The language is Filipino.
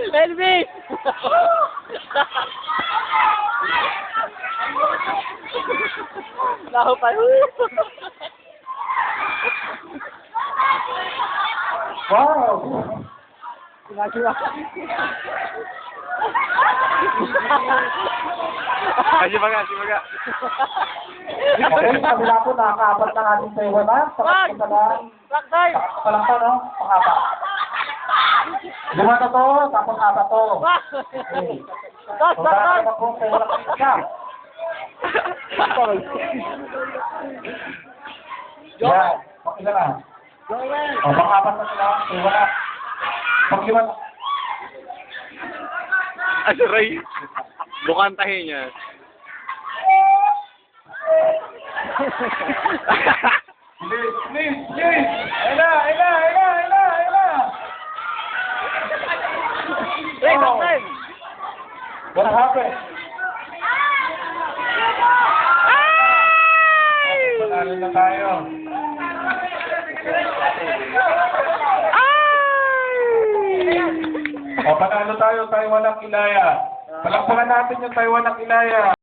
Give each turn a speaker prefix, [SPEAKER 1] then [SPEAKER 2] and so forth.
[SPEAKER 1] Elvis! Laho pa.
[SPEAKER 2] Wow!
[SPEAKER 1] Ginagawa.
[SPEAKER 3] Ay, sibaga, sibaga.
[SPEAKER 2] Okay, kabila po, nakakaapat na natin sa iwan na.
[SPEAKER 1] Wag! Wag, Day!
[SPEAKER 2] Palang pa, no? Pang-apat. 5 na to, tapos 4 to.
[SPEAKER 1] Wag!
[SPEAKER 2] Okay.
[SPEAKER 1] Dos,
[SPEAKER 2] So,
[SPEAKER 1] dos,
[SPEAKER 2] dahil
[SPEAKER 1] dos!
[SPEAKER 2] na po sa iwan na isa. Yan, pakila na.
[SPEAKER 1] Joel!
[SPEAKER 2] O, pang-apat na sila, sa iwan na. Pag-5 na.
[SPEAKER 3] Ah, si Ray. Bukantahin niya.
[SPEAKER 2] Please, please, please! Ayla, ayla, ayla, ayla, ayla!
[SPEAKER 1] Ray, Boston!
[SPEAKER 2] What happened? Panalo na tayo. O, panalo tayo, Taiwan ng Ilaya. Palakpakan natin yung Taiwan ng Ilaya.